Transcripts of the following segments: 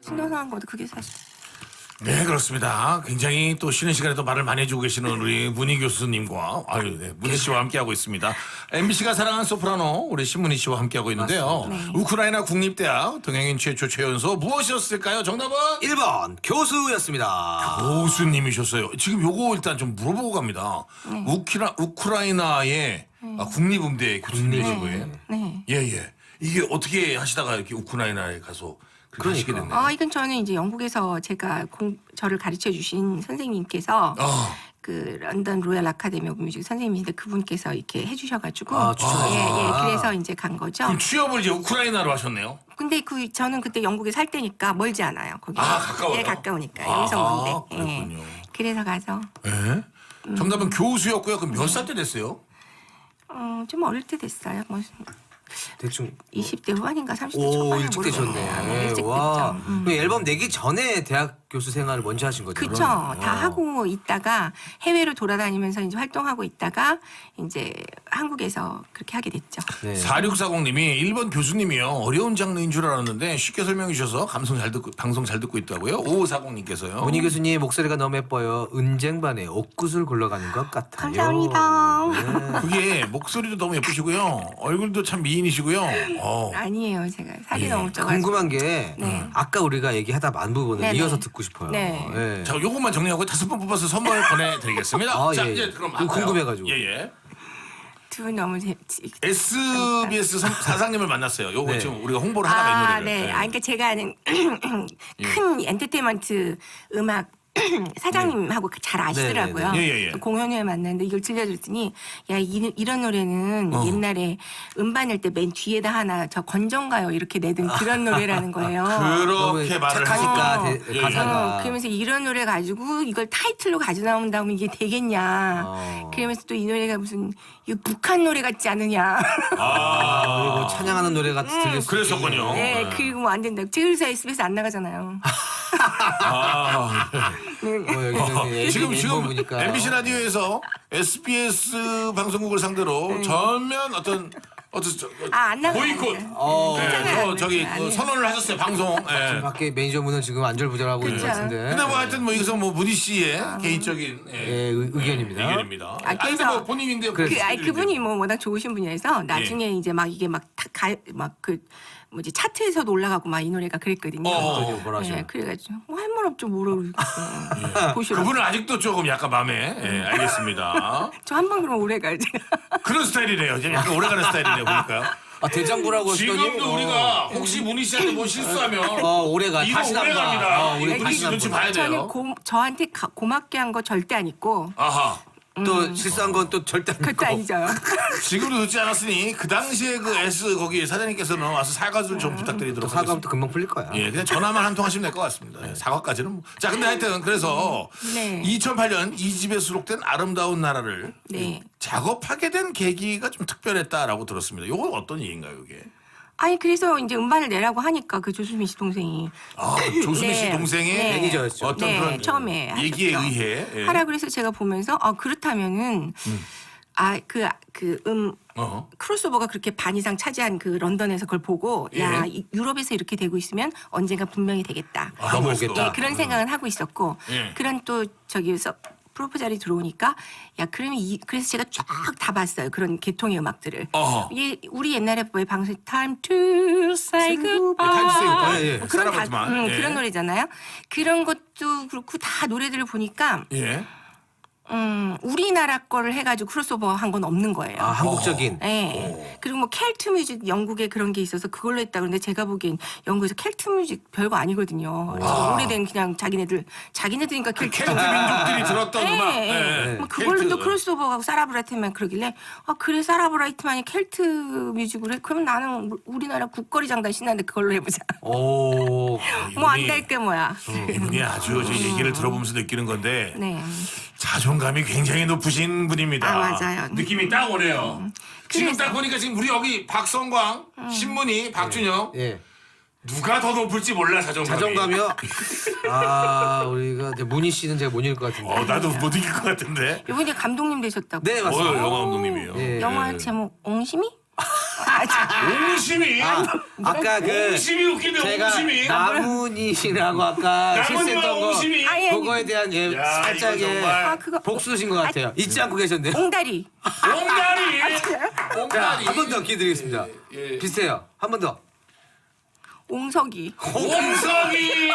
신선한 것도 그게 사실. 네, 그렇습니다. 굉장히 또 쉬는 시간에도 말을 많이 해주고 계시는 우리 문희 교수님과 문희 씨와 함께하고 있습니다. MBC가 사랑하는 소프라노 우리 신문희 씨와 함께하고 있는데요. 네. 우크라이나 국립대학 동양인 최초 최연소 무엇이었을까요? 정답은 1번 교수였습니다. 교수님이셨어요. 지금 요거 일단 좀 물어보고 갑니다. 우크라이나의 국립음대 교수님이시고요. 네. 예. 이게 어떻게 하시다가 이렇게 우크라이나에 가서 그렇게 하시게 됐나요? 이건 저는 이제 영국에서 저를 가르쳐 주신 선생님께서 그 런던 로얄 아카데미 오브 뮤직 선생님인데 그분께서 이렇게 해주셔가지고 추천하셨구나. 그래서 이제 간 거죠. 그럼 취업을 이제 우크라이나로 하셨네요? 근데 저는 그때 영국에 살 때니까 멀지 않아요. 거기. 가까워요? 예, 가까우니까 여기서 먼데. 그렇군요. 그래서 가서 예? 정답은 교수였고요. 그럼 몇 살 때 됐어요? 좀 어릴 때 됐어요. 뭐 대충 20대 후반인가 30대 오 초반에 일찍 모르겠어요. 되셨네. 일찍 와. 됐죠. 그럼 앨범 내기 전에 대학 교수 생활을 먼저 하신 거죠? 그쵸. 다 하고 있다가 해외로 돌아다니면서 이제 활동하고 있다가 이제 한국에서 그렇게 하게 됐죠. 네. 4640님이 1번 교수님이요. 어려운 장르인 줄 알았는데 쉽게 설명해 주셔서 방송 잘 듣고 있다고요. 5540님께서요. 문희 교수님 목소리가 너무 예뻐요. 은쟁반에 옥구슬 굴러가는 것 같아요. 감사합니다. 그게 목소리도 너무 예쁘시고요. 얼굴도 참 미인이시고요. 아니에요. 제가 살이 예. 너무 쪄가지고. 궁금한 게 아까 우리가 얘기하다 만 부분을 네네. 이어서 듣고 싶어요. 네. 예. 자, 요것만 정리하고 5번 뽑아서 선물 보내드리겠습니다. 자, 예. 이제 그럼 그거 궁금해가지고. 예. 두 분 너무 SBS 사장님을 만났어요. 요거 네. 지금 우리가 홍보를 하다가 이 노래를. 네. 예. 그러니까 제가 아는 큰 엔터테인먼트 음악 사장님하고 잘 아시더라고요. 예. 공연회에 만났는데 이걸 들려줬더니 야 이런 노래는 옛날에 음반 낼 때 맨 뒤에다 하나 저 건전가요 이렇게 내던 그런 노래라는 거예요. 그렇게 말을 착하니까 하시고. 예. 가사가. 그러면서 이런 노래 가지고 이걸 타이틀로 가져 나온다면 이게 되겠냐. 그러면서 또 이 노래가 무슨 이거 북한 노래 같지 않느냐. 그리고 찬양하는 노래가 들릴 수 그랬었군요. 네, 그리고 뭐 안 된다. 그래서 SBS 안 나가잖아요. 지금 보니까 MBC 라디오에서 SBS 방송국을 상대로 전면 어떤 안 나가요. 보이콧 저기 그 선언을 하셨어요 방송. 예. 밖에 매니저분은 지금 안절부절하고 있는 것 그쵸. 같은데. 근데 뭐 하여튼 뭐 여기서 뭐 문희 씨의 개인적인 의견입니다. 의견입니다. 그래서 근데 뭐 본인인데 그분이 뭐 워낙 좋으신 분이라서 나중에 이제 막 이게 막 그 뭐지 차트에서도 올라가고 막 이 노래가 그랬거든요. 뭐라 하셔? 네, 그래가지고 할 말 없죠 모르겠어. 보시러. 그분은 아직도 조금 약간 마음에 알겠습니다. 저 한 번 그럼 오래 가야지. 그런 스타일이래요. 지금 약간 오래가는 스타일이네요 보니까요. 대장부라고 하시더니 지금도 우리가 혹시 문희 씨한테 뭐 실수하면 오래가 이거 다시 오래 남다. 갑니다. 우리 문희 다시 씨 눈치 남다. 봐야 돼요. 저는 저한테 고맙게 한 거 절대 안 있고 아하. 또 실수한 건 또 절대 안 그것도 믿고. 아니죠. 지금도 듣지 않았으니 그 당시에 그 S 거기 사장님께서는 와서 사과를 좀 부탁드리도록 사과하면 하겠습니다. 또 금방 풀릴 거야. 예, 그냥 전화만 한 통 하시면 될 것 같습니다. 예, 사과까지는 뭐. 자, 근데 하여튼 그래서 네. 2008년 이집에 수록된 아름다운 나라를 네. 작업하게 된 계기가 좀 특별했다라고 들었습니다. 이건 어떤 얘기인가요, 이게? 아니 그래서 이제 음반을 내라고 하니까 그 조수민 씨 동생이 조수미 씨 네. 동생의 네. 매니저였죠. 어떤 네, 그런 처음에 얘기에 하셨죠. 의해 하라 그래서 제가 보면서 그렇다면은 크로스오버가 그렇게 반 이상 차지한 그 런던에서 그걸 보고 야 유럽에서 이렇게 되고 있으면 언젠가 분명히 되겠다. 넘어오겠다. 예, 그런 생각은 하고 있었고 예. 그런 또 저기서 프로포잘이 들어오니까 야 그러면 그래서 제가 쫙 다 봤어요. 그런 계통의 음악들을. 어허. 우리 옛날에 왜 방송 Time to Say Goodbye Time to Say Goodbye. 예, 예. 뭐 그런 사라바트만. 예. 그런 노래잖아요. 그런 것도 그렇고 다 노래들을 보니까 예. 우리나라 거를 해가지고 크로스오버 한 건 없는 거예요. 한국적인. 네. 그리고 뭐 켈트 뮤직 영국에 그런 게 있어서 그걸로 했다 그러는데 제가 보기엔 영국에서 켈트 뮤직 별거 아니거든요. 오래된 그냥 자기네들이니까 켈트. 켈트 민족들이 들었던 네. 음악. 네. 뭐 그걸로 켈트. 또 크로스오버하고 사라브라이트만 그러길래 그래 사라브라이트만이 켈트 뮤직으로 해? 그럼 나는 우리나라 국거리 장단 신나는데 그걸로 해보자. 오. 뭐 안 될 게 뭐야. 이분이 아주 저 얘기를 들어보면서 느끼는 건데 네. 자존감이 굉장히 높으신 분입니다. 맞아요. 느낌이 딱 오네요. 지금 그래서. 딱 보니까 지금 우리 여기 박성광, 신문희, 박준영 예. 누가 더 높을지 몰라 자존감이. 자존감이요? 우리가 이제 문희 씨는 제가 못 읽을 것 같은데. 나도 못 이길 것 같은데. 이분이 감독님 되셨다고. 네, 맞습니다. 영화 감독님이요. 예. 영화 제목 옹심이? 옹심이. 아까 그 옹심이 웃긴데 제가 옹심이. 나무니시라고 아까 실수했던 거 옹심이. 아니, 그거에 대한 예, 야, 살짝 이거 예, 정말. 그거 복수신 것 같아요. 잊지 않고 계셨네요. 옹다리. 옹다리. 자, 옹다리. 한 번 더 기회 드리겠습니다. 예. 비슷해요. 한 번 더. 옹석이. 옹석이.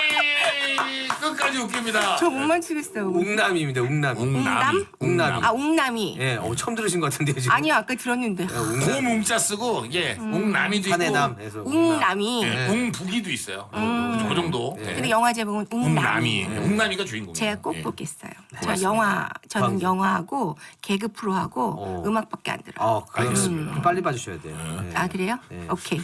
끝까지 웃깁니다. 저 못 맞추겠어요. 웅남입니다. 웅남. 웅남? 웅남이. 아 옹남이. 예, 처음 들으신 것 같은데요, 지금. 아니요 아까 들었는데. 곰웅자 쓰고 옹남이도 있고. 한해남에서 웅남이. 예, 웅북이도 있어요. 그 정도. 예. 근데 영화 제목은 웅남이. 웅남이. 웅남이가 주인공이에요. 제가 꼭 예. 보겠어요. 고맙습니다. 저는 방송. 영화하고 개그 프로하고 음악밖에 안 들어요. 그럼 빨리 봐주셔야 돼요. 예. 아 그래요? 오케이.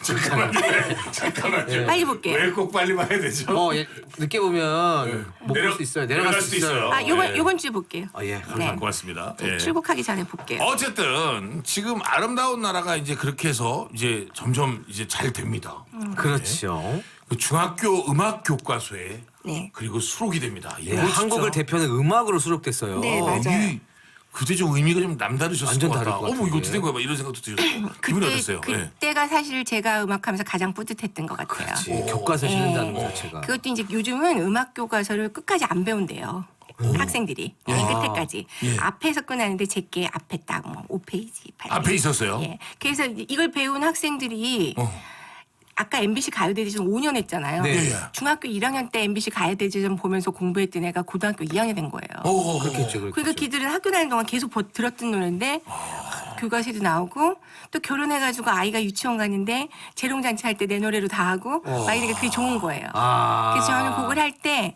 잠깐만요. 빨리 볼게요. 왜 꼭 빨리 봐야 되죠? 예, 늦게 보면 못 볼 수 있어요. 내려갈 수 있어요. 아 예. 요번 주에 볼게요. 예, 네. 감사합니다. 고맙습니다. 예. 출국하기 전에 볼게요. 어쨌든 지금 아름다운 나라가 이제 그렇게 해서 이제 점점 이제 잘 됩니다. 그렇죠. 그 중학교 음악 교과서에 네. 그리고 수록이 됩니다. 예, 이거 진짜 한국을 대표하는 음악으로 수록됐어요. 네, 맞아요. 이 그때 좀 의미가 좀 남다르셨을 완전 것 다를 같다. 것 어머 이거 같은데. 어떻게 된 거야? 막 이런 생각도 들었어요. 기분이 어땠어요? 예. 그때가 사실 제가 음악하면서 가장 뿌듯했던 것 같아요. 그렇지. 교과서 실린다는 것 자체가. 그것도 이제 요즘은 음악 교과서를 끝까지 안 배운대요. 학생들이 맨 끝에까지 예. 앞에서 끝나는데 제게 앞에 딱 뭐 5페이지 8페이지 앞에 있었어요? 예. 그래서 이걸 배운 학생들이 어. 아까 MBC 가요대제전 5년 했잖아요. 네. 예, 예. 중학교 1학년 때 MBC 가요대제전 보면서 공부했던 애가 고등학교 2학년 된 거예요. 그렇겠죠. 그러니까 걔들은 학교 다니는 동안 계속 들었던 노래인데 교과서에도 나오고 또 결혼해가지고 아이가 유치원 가는데 재롱잔치 할 때 내 노래로 다 하고 막 이러니까 그게 좋은 거예요. 그래서 저는 그걸 할 때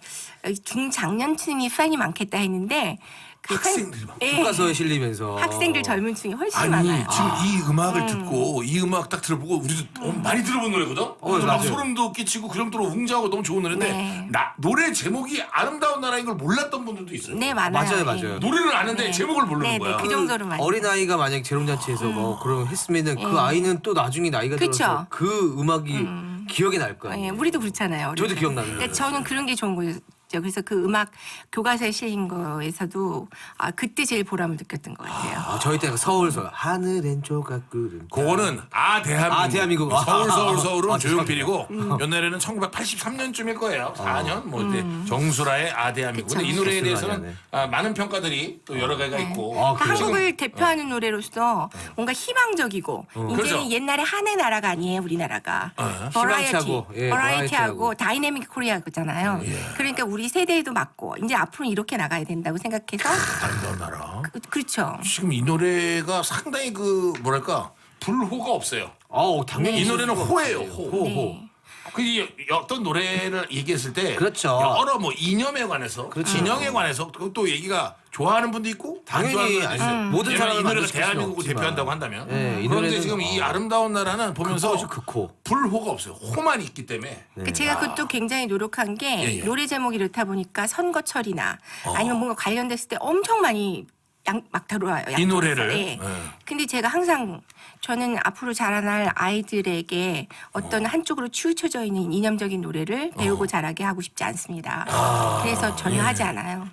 중장년층이 팬이 많겠다 했는데 그 학생들이 많- 예. 교과서에 실리면서 학생들 젊은 층이 훨씬 아니 많아요. 지금 이 음악을 듣고 이 음악 딱 들어보고 우리도 많이 들어본 노래거든. 그래서 막 맞아요. 소름도 끼치고 그 정도로 웅장하고 너무 좋은 노래인데 네. 노래 제목이 아름다운 나라인 걸 몰랐던 분들도 있어요. 네 많아요. 맞아요, 맞아요. 예. 노래는 아는데 네. 제목을 모르는 네, 거야. 네, 그 정도로 많이. 어린 아이가 만약 재롱잔치에서 뭐 그런 했으면은 그 아이는 또 나중에 나이가 그쵸. 들어서 그 음악이 기억에 날 거 예, 아니에요. 우리도 그렇잖아요. 저도 우리도. 기억나는데. 그러니까 저는 그런 게 좋은 거죠. 그래서 그 음악 교과서에 실린 거에서도 그때 제일 보람을 느꼈던 것 같아요. 저희 때가 서울서 하늘엔 조각구름. 그거는 대한민국. 아, 대한민국. 서울은 아, 조용필이고 옛날에는 1983년쯤일 거예요. 4년 뭐 이제 정수라의 대한민국. 근데 이 노래에 그쵸. 대해서는 많은 평가들이 또 여러 개가 있고. 그러니까 그래요? 한국을 대표하는 노래로서 뭔가 희망적이고 이제는 그렇죠. 옛날에 한해 나라가 아니에요 우리나라가 희망차고, 예, 버라이어티하고 다이내믹 코리아잖아요. 그러니까 우리 세대에도 맞고 이제 앞으로 이렇게 나가야 된다고 생각해서 아름다운 나라. 그렇죠. 지금 이 노래가 상당히 그 뭐랄까 불호가 없어요. 당연히 이 노래는 있을 호예요. 것 같아요. 호. 네. 그 어떤 노래를 얘기했을 때 그렇죠. 여러 뭐 이념에 관해서 진영에 관해서 또 얘기가 좋아하는 분도 있고 안 좋아하는 당연히 분도 있어요. 모든 얘는 사람을 이 노래가 만족시킬 수는 대한민국을 없지만. 대표한다고 한다면 네, 이 그런데 노래는 지금 이 아름다운 나라는 보면서 극호죠, 극호. 불호가 없어요. 호만 있기 때문에 그 제가 그것도 굉장히 노력한 게 예. 노래 제목이 이렇다 보니까 선거철이나 아니면 뭔가 관련됐을 때 엄청 많이 막 들어와요. 이 노래를? 네. 네. 근데 제가 항상 저는 앞으로 자라날 아이들에게 어떤 한쪽으로 치우쳐져 있는 이념적인 노래를 배우고 자라게 하고 싶지 않습니다. 그래서 전혀 하지 않아요.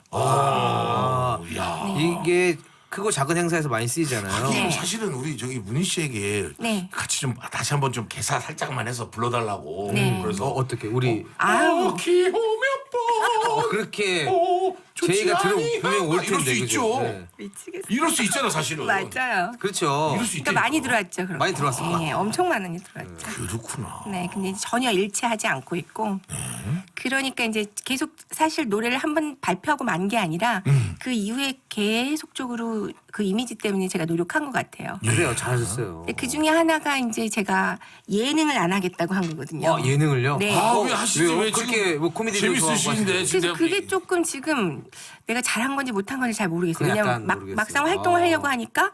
야. 이게 크고 작은 행사에서 많이 쓰이잖아요. 네. 사실은 우리 저기 문희 씨에게 네. 같이 좀 다시 한번 좀 개사 살짝만 해서 불러달라고. 네. 그래서 어떻게 우리 아유. 기호 몇 번. 그렇게 좋지 제의가 아니하나? 분명 올 이럴 수 텐데 있죠. 그죠? 네. 미치겠어. 이럴 수 있잖아 사실은. 맞아요. 그렇죠. 이럴 수 있다. 그러니까 많이 들어왔죠. 그런 많이 거. 들어왔을 것 예, 엄청 많이 들어왔죠. 그렇구나. 네, 근데 전혀 일치하지 않고 있고, 그러니까 이제 계속 사실 노래를 한번 발표하고 만 게 아니라 그 이후에 계속적으로 그 이미지 때문에 제가 노력한 것 같아요. 그래요. 잘하셨어요. 근데 그 중에 하나가 이제 제가 예능을 안 하겠다고 한 거거든요. 예능을요? 네. 왜 하시지? 왜요? 왜 그렇게 지금 뭐 코미디도 재밌으신데 좋아하고 지금 그래서 그게 조금 지금 내가 잘한 건지 못한 건지 잘 모르겠어요. 그건 약간 왜냐면 모르겠어요. 막상 활동을 하려고 하니까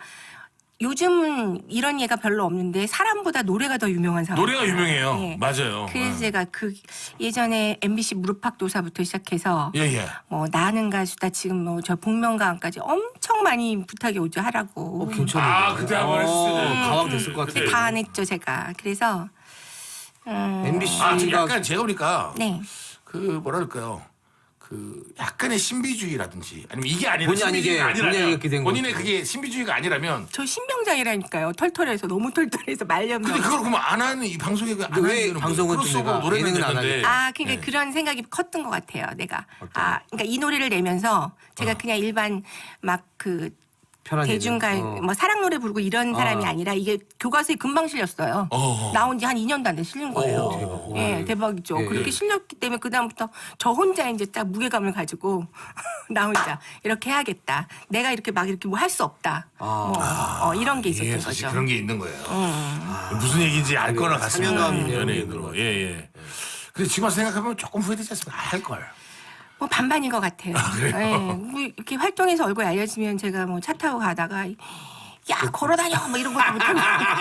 요즘은 이런 예가 별로 없는데 사람보다 노래가 더 유명한 사람. 노래가 유명해요. 예. 맞아요. 그래서 제가 그 예전에 MBC 무릎팍도사부터 시작해서 예예. 뭐 나는 가수다 지금 뭐 저 복면가왕까지 엄청 많이 부탁이 오죠 하라고. 괜찮은데. 아, 그때 한번 했을 때. 가왕 됐을 것 같아요. 근데 다 안 했죠 제가. 그래서 지금 MBC가 약간 제가 보니까 네. 그 뭐랄까요. 그 약간의 신비주의라든지 아니면 이게 아니라 본의 아니게, 신비주의가 본의 아니게 아니라면 된 본인의 거죠. 그게 신비주의가 아니라면 저 신병장이라니까요. 털털해서 너무 털털해서 말년 근데 그걸 그러면 안 하는 이 방송에 안 근데 왜 하는 이유는 방송은 좀 크로스오버 내가 노래는 예능은 안 됐는데 아, 그러니까 네. 그런 생각이 컸던 것 같아요. 내가 그러니까 이 노래를 내면서 제가 그냥 일반 막그 편한 대중가요, 예능. 뭐 사랑 노래 부르고 이런 사람이 아니라 이게 교과서에 금방 실렸어요. 나온 지 한 2년도 안 돼 실린 거예요. 예, 대박이죠. 예, 그렇게 예. 실렸기 때문에 그 다음부터 저 혼자 이제 딱 무게감을 가지고 나 혼자 이렇게 해야겠다. 내가 이렇게 막 이렇게 뭐 할 수 없다. 뭐 이런 게 있었던 예, 사실 거죠. 그런 게 있는 거예요. 무슨 얘기인지 알 거나 같습니다. 사명감 연예인으로. 예, 예. 근데 지금 와서 생각하면 조금 후회되지 않습니까? 알 걸. 뭐 반반인 것 같아요. 예, 뭐 이렇게 활동해서 얼굴 알려지면 제가 뭐 차 타고 가다가 야 걸어다녀 뭐 이런 것도 못하고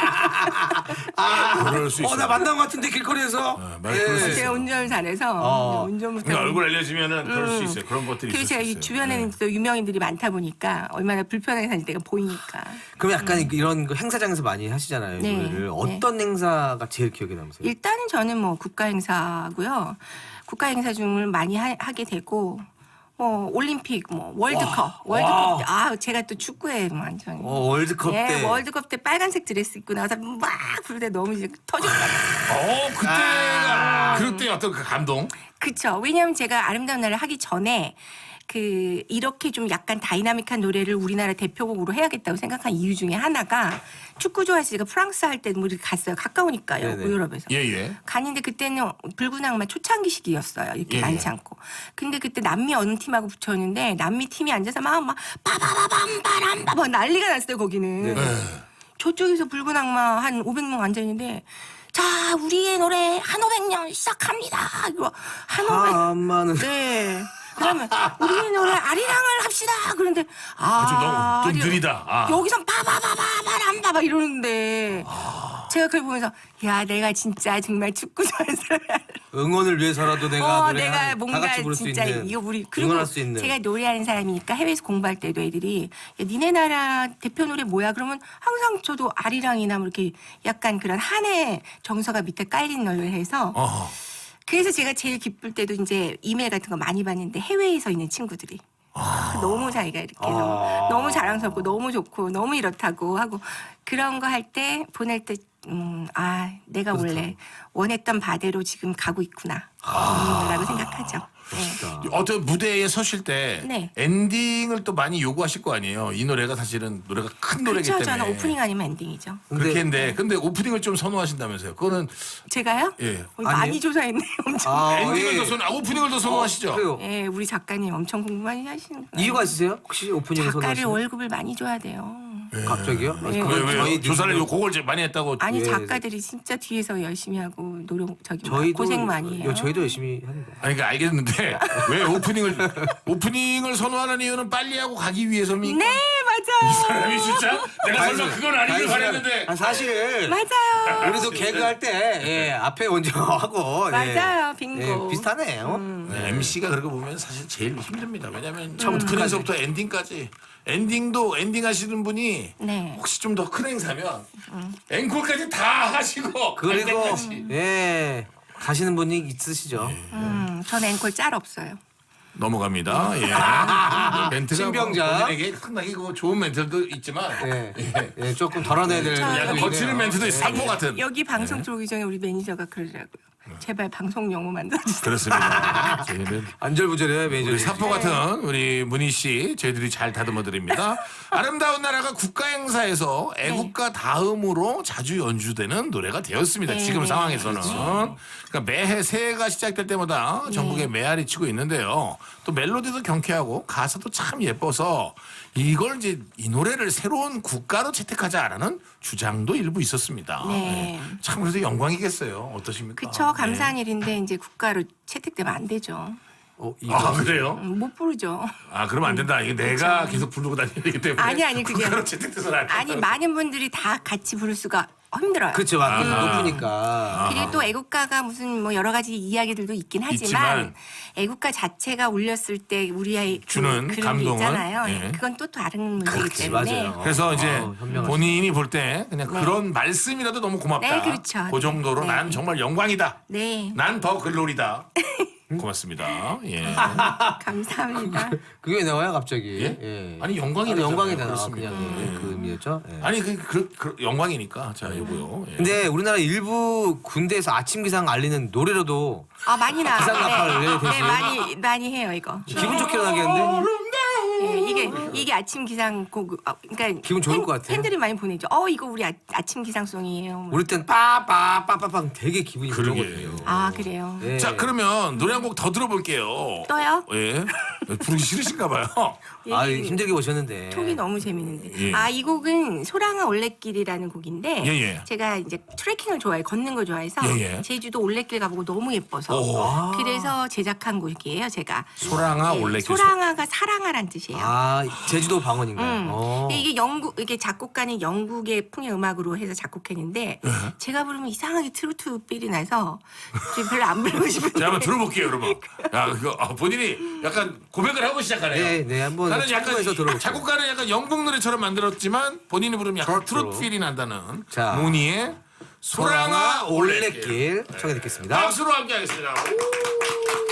그럴 수 있어요. 나 만난 것 같은데 길거리에서. 말 그럴 수 제가 있어요. 운전을 잘해서 운전 못하고 그러니까 얼굴 알려지면은 그럴 수 있어요. 그런 것들이 그리고 있을 수 제가 이 있어요. 주변에는 또 유명인들이 많다 보니까 얼마나 불편하게 사는 데가 보이니까. 그럼 약간 이런 거 행사장에서 많이 하시잖아요. 네, 노래를. 네. 어떤 행사가 제일 기억에 남으세요? 일단은 저는 뭐 국가 행사고요. 국가 행사 중을 많이 하게 되고 뭐 올림픽 뭐 월드컵 때 제가 또 축구에 완전 월드컵 때. 월드컵 때 빨간색 드레스 입고 나와서 막 부를 때 너무 이제 터졌어요. 그럴 때 어떤 그 감동? 그쵸. 왜냐하면 제가 아름다운 날을 하기 전에 그 이렇게 좀 약간 다이나믹한 노래를 우리나라 대표곡으로 해야겠다고 생각한 이유 중에 하나가 축구 좋아해서 제가 프랑스 할 때 뭐 이렇게 갔어요. 가까우니까요. 네네. 유럽에서. 예, 예. 갔는데 그때는 붉은 악마 초창기 시기였어요. 이렇게 예, 많지 예. 않고. 근데 그때 남미 어느 팀하고 붙였는데 남미 팀이 앉아서 막 빠바바밤바람바 난리가 났어요. 거기는. 저쪽에서 붉은 악마 한 500명 앉아있는데 자 우리의 노래 한 500년 시작합니다. 이거 한 500. 한마는. 네. 그러면 우리의 노래 아리랑을 합시다. 그런데 좀 느리다. 여기선 바바바바바람바 막 이러는데 제가 그걸 보면서 야 내가 진짜 정말 축구 좋아하는 사람이야. 응원을 위해서라도 내가 노래 내가 다 뭔가 같이 부를 수 진짜 있는. 이거 우리 그리고 응원할 수 있는. 제가 노래하는 사람이니까 해외에서 공부할 때도 애들이 야, 니네 나라 대표 노래 뭐야? 그러면 항상 저도 아리랑이나 뭐 이렇게 약간 그런 한해 정서가 밑에 깔린 노래를 해서 그래서 제가 제일 기쁠 때도 이제 이메일 같은 거 많이 받는데 해외에서 있는 친구들이 너무 자기가 이렇게 너무 자랑스럽고 너무 좋고 너무 이렇다고 하고 그런 거 할 때 보낼 때 내가 원래 원했던 바대로 지금 가고 있구나 라고 생각하죠. 네. 어떤 무대에 서실 때 네. 엔딩을 또 많이 요구하실 거 아니에요. 이 노래가 사실은 노래가 큰 노래기 그렇죠. 때문에. 저는 오프닝 아니면 엔딩이죠. 그렇게 했는데 근데 오프닝을 좀 선호하신다면서요. 그거는 제가요? 예. 많이 아니에요? 조사했네요. 엄청. 엔딩을 예. 더 오프닝을 더 선호하시죠. 그래요. 예, 우리 작가님 엄청 공부 많이 하시는 거예요. 이유가 있으세요? 혹시 오프닝을 작가를 선호하시는? 월급을 많이 줘야 돼요. 갑자기요? 네. 그건 왜 조사를 뉴스로- 그걸 제일 많이 했다고. 아니 예. 작가들이 진짜 뒤에서 열심히 하고 노력 저희도 고생 많이 해요. 저희도 열심히 하는 거예요. 아니 그러니까 알겠는데 왜 오프닝을 선호하는 이유는 빨리 하고 가기 위해서입니까? 네 맞아요. 사람이 진짜 내가 설마 그건 아니길 바랬는데. 사실 맞아요. 우리도 개그할 때 앞에 먼저 하고 맞아요. 빙고. 비슷하네요. 네, MC가 그러고 보면 사실 제일 힘듭니다. 왜냐하면 처음 오프닝서부터 엔딩까지 엔딩도 엔딩 하시는 분이 네. 혹시 좀 더 큰 행사면 앵콜까지 다 하시고 갈 그리고 때까지. 가시는 분이 있으시죠. 전 앵콜 짤 없어요. 넘어갑니다. 예. 멘트가 신병자. 뭐 본인에게 상당히 그 좋은 멘트도 있지만 조금 덜어내야 될. 약간 부분이네요. 거치는 멘트도 있어요. 사포 같은. 여기 방송 들어오기 전에 우리 매니저가 그러더라고요. 제발 방송 용어 만들어주세요. 그렇습니다. 저희는 안절부절해요 매니저. 우리 사포 같은 우리 문희 씨 저희들이 잘 다듬어 드립니다. 아름다운 나라가 국가 행사에서 애국가 다음으로 자주 연주되는 노래가 되었습니다. 네, 지금 네. 상황에서는. 그러니까 매해 새해가 시작될 때마다 전국에 메아리 치고 있는데요. 또 멜로디도 경쾌하고 가사도 참 예뻐서 이걸 이제 이 노래를 새로운 국가로 채택하자라는 주장도 일부 있었습니다. 네. 참 그래서 영광이겠어요. 어떠십니까? 그쵸 감사한 일인데 이제 국가로 채택되면 안 되죠. 아 그래요? 못 부르죠. 아 그러면 안 된다. 이게 내가 계속 부르고 다니기 때문에 아니, 그게 국가로 채택돼서는 안 된다. 아니 많은 분들이 다 같이 부를 수가 힘들어요. 그렇죠. 높으니까. 그리고 또 애국가가 무슨 뭐 여러 가지 이야기들도 있긴 하지만 있지만 애국가 자체가 울렸을 때 우리의 주는 그런 게 감동은, 있잖아요. 예. 그건 또 다른 문제이기 때문에. 맞아요. 그래서 이제 현명하시네. 본인이 볼 때 그냥 그런 말씀이라도 너무 고맙다. 네, 그렇죠. 그 정도로 네. 난 정말 영광이다. 네. 난 더 글로리다. 고맙습니다. 예. 감사합니다. 그게 왜 나와요 갑자기? 예? 아니 영광이잖아요. 영광이잖아. 그렇습니다. 그냥 예. 그 의미였죠. 예. 아니 그 영광이니까 자 요거요. 예. 근데 우리나라 일부 군대에서 아침 기상 알리는 노래로도 아 많이 나. 기상 나팔 왜 네, 대신? 많이 해요 이거. 기분 좋게 나겠는데? 예, 이게 아침 기상 곡, 그러니까 기분 좋을 것 같아요. 팬들이 많이 보내죠. 이거 우리 아침 기상송이에요. 뭐. 우리 땐 빠빠빠빠빵 되게 기분이 그러게. 좋거든요. 아 그래요. 네. 자 그러면 노래 한 곡 더 들어볼게요. 떠요? 예. 부르기 싫으신가 봐요. 아 예, 힘들게 오셨는데. 톡이 너무 재밌는데. 예. 이 곡은 소랑아 올레길이라는 곡인데 예. 제가 이제 트레킹을 좋아해, 걷는 걸 좋아해서 예. 제주도 올레길 가보고 너무 예뻐서 오. 그래서 제작한 곡이에요, 제가. 소랑아 예, 올레길. 소랑아가 사랑아란 뜻이에요. 아 제주도 방언인가요? 이게 이게 작곡가는 영국의 풍의 음악으로 해서 작곡했는데 예. 제가 부르면 이상하게 트로트 필이 나서 지금 별로 안 부르고 싶은데. 자 한번 들어볼게요, 여러분. 야 그거 본인이 약간 고백을 하고 시작하네요. 네, 한번 나는 약간 참고해서 들어볼게요. 작곡가는 약간 영국 노래처럼 만들었지만 본인이 부르면 약간 트로트 필이 난다는 자. 모니의 소랑아 올레길. 올레길 청해 듣겠습니다. 박수로 함께하겠습니다. 오.